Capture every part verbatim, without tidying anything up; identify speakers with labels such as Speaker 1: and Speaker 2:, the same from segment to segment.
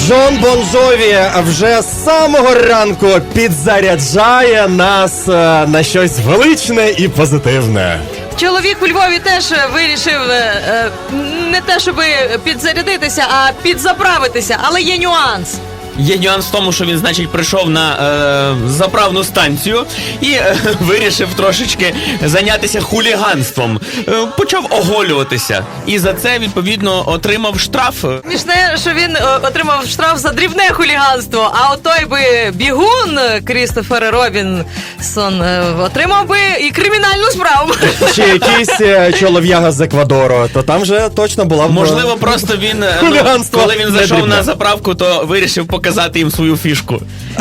Speaker 1: Джон Бон Джові вже з самого ранку підзаряджає нас е, на щось величне і позитивне.
Speaker 2: Чоловік у Львові теж вирішив е, не те, щоб підзарядитися, а підзаправитися, але є нюанс.
Speaker 3: Є нюанс в тому, що він, значить, прийшов на е, заправну станцію і е, вирішив трошечки зайнятися хуліганством. Е, почав оголюватися. І за це, відповідно, отримав штраф.
Speaker 2: Смішне, що він е, отримав штраф за дрібне хуліганство, а от той би бігун Крістофер Робінсон е, отримав би і кримінальну справу.
Speaker 1: Чи якийсь е, чолов'яга з Еквадору, то там же точно була б...
Speaker 3: Можливо, просто він, е, ну,
Speaker 1: Хуліганство
Speaker 3: коли він
Speaker 1: не
Speaker 3: зайшов
Speaker 1: дрібне.
Speaker 3: на заправку, то вирішив показати їм свою фішку.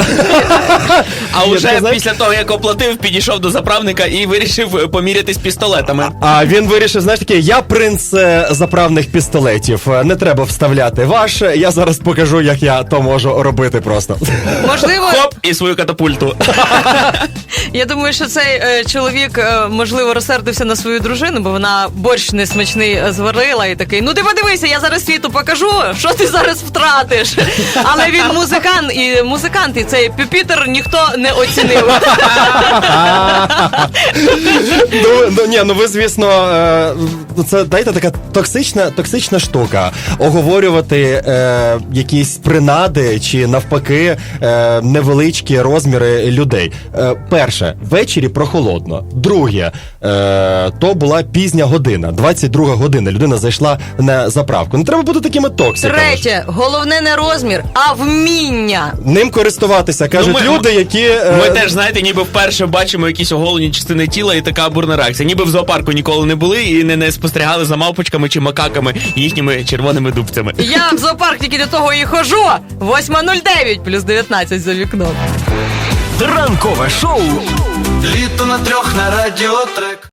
Speaker 3: А
Speaker 1: Ні,
Speaker 3: вже
Speaker 1: ти знаєш-
Speaker 3: після того, як оплатив, підійшов до заправника і вирішив помірятись пістолетами.
Speaker 1: А він вирішив, знаєш таке, я принц е, заправних пістолетів, е, не треба вставляти ваш, я зараз покажу, як я то можу робити просто.
Speaker 2: Можливо,
Speaker 3: Хоп, і свою катапульту.
Speaker 2: я думаю, що цей е, чоловік, е, можливо, розсердився на свою дружину, бо вона борщ несмачний е, зварила і такий, ну ти подивися, я зараз світу покажу, що ти зараз втратиш. Але він музикант, і музикант, і цей пюпітер ніхто не оцінив.
Speaker 1: Ну, ну, ні, ну ви, звісно, е, це, дайте, така токсична, токсична штука. Оговорювати е, якісь принади чи, навпаки, е, невеличкі розміри людей. Е, перше, ввечері прохолодно. Друге, е, то була пізня година, двадцять друга година. Людина зайшла на заправку. Не треба бути такими токсиками.
Speaker 2: Третє, головне не розмір, а вміння.
Speaker 1: Ним користуватися, кажуть
Speaker 3: Ну, ми-
Speaker 1: люди, які... е,
Speaker 3: Ми теж, знаєте, ніби вперше бачимо якісь оголені частини тіла і така бурна реакція. Ніби в зоопарку ніколи не були і не, не спостерігали за мавпочками чи макаками і їхніми червоними дубцями.
Speaker 2: Я в зоопарк тільки до того і хожу. восьма нуль дев'ять плюс дев'ятнадцять за вікном.
Speaker 4: Ранкове шоу
Speaker 5: Літо на трьох на радіотрек.